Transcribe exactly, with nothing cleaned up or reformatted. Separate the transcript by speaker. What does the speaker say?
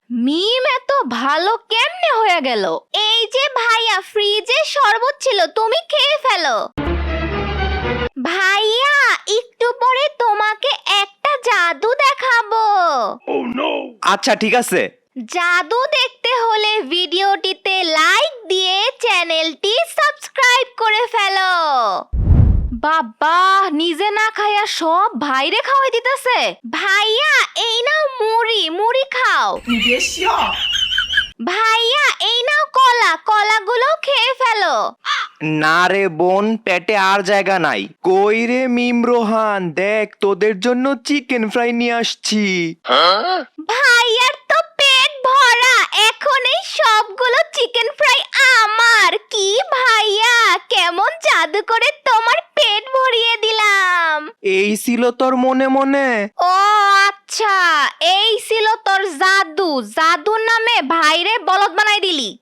Speaker 1: মিম এত ভালো কেমনে হয়ে গেল? এই যে ভাইয়া, ফ্রিজে শরবত ছিল, তুমি খেয়ে ফেলো। ভাইয়া, একটু পরে তোমাকে একটা জাদু দেখাবো।
Speaker 2: আচ্ছা ঠিক আছে।
Speaker 1: জাদু দেখতে হলে ভিডিওটিতে লাইক দিয়ে চ্যানেলটি সাবস্ক্রাইব করে ফেলো। বাবা, নিজে না খাইয়া সব ভাইরে খাওয়াই দিতেছে। ভাইয়া, এই নাও মুড়ি, মুড়ি খাও। ভাইয়া, এই নাও কলা, কলাগুলো খেয়ে ফেলো।
Speaker 2: না রে বোন, পেটে আর জায়গা নাই। কই রে মিম রোহান, দেখ তোদের জন্য চিকেন ফ্রাই নিয়ে আসছি।
Speaker 1: ভাইয়ার তো পেট ভরা, এখন এই সবগুলো চিকেন ফ্রাই আমার। কি ভাইয়া, কেমন জাদু করে তোমার পেট ভরিয়ে দিলাম।
Speaker 2: এই ছিল তোর মনে মনে?
Speaker 1: ও আচ্ছা, এই ছিল তোর জাদু। জাদুর নামে ভাইরে বলদ বানাই দিলি।